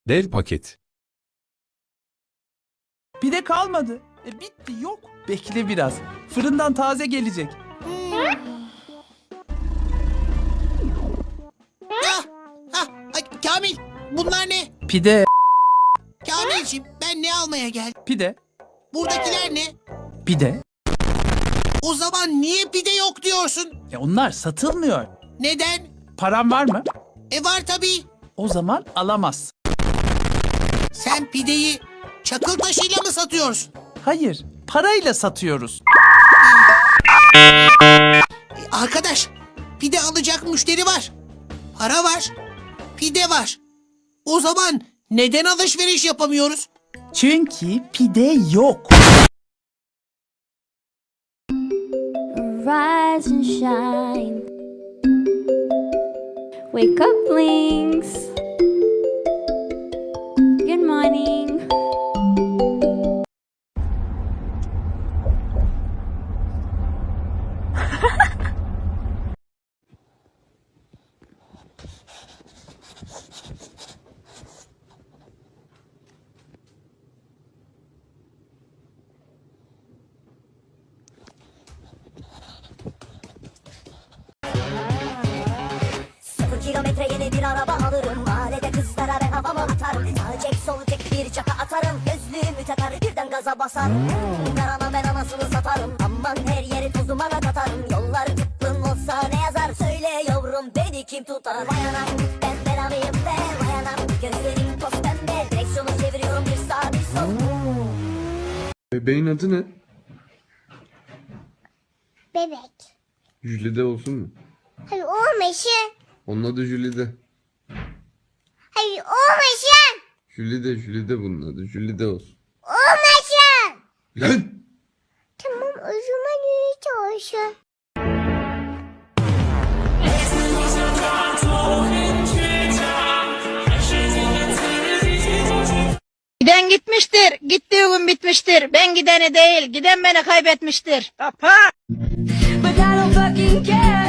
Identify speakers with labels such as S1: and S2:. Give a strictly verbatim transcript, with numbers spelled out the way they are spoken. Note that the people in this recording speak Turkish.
S1: Dev paket.
S2: Pide kalmadı. E bitti, yok. Bekle biraz. Fırından taze gelecek.
S3: Ah, ah, ay, Kamil, bunlar ne?
S2: Pide,
S3: Kamilciğim, ben ne almaya geldim?
S2: pide,
S3: Buradakiler ne?
S2: pide.
S3: O zaman niye pide yok diyorsun?
S2: E onlar satılmıyor.
S3: Neden?
S2: Param var mı?
S3: E var tabii.
S2: O zaman alamaz.
S3: Sen pideyi çakıl taşıyla mı satıyorsun?
S2: Hayır, parayla satıyoruz.
S3: E, arkadaş, pide alacak müşteri var. Para var. Pide var. O zaman neden alışveriş yapamıyoruz?
S2: Çünkü pide yok.
S4: Rise and shine. Wake up, Blinks. Good morning.
S5: Sıfır kilometre yeni bir araba alırım. Mahallede kızlara ben havamı atarım. Sağ cek sol cek bir çaka atarım. Gözlüğümü takar birden gaza basarım. Karana ben anasını satarım. Aman her yeri toz dumana katarım. Yollar tıklım olsa ne yazar? Söyle yavrum beni kim tutar? Vay anam ben belamıyım de. Vay anam gözlerim toz pembe. Direksiyonu çeviriyorum bir sağ bir sol.
S6: Bebeğin adı ne?
S7: Bebek.
S6: Jülide olsun mu?
S7: Hayır olmasın.
S6: Onun adı Jülide.
S7: Hayır olmasın.
S6: Jülide, Jülide bunun adı. Jülide olsun.
S7: Olmasın.
S6: Lan!
S7: Tamam o zaman iyi olsun.
S8: Giden gitmiştir, gittiği gün bitmiştir. Ben gideni değil, giden beni kaybetmiştir.
S5: But I don't fucking care.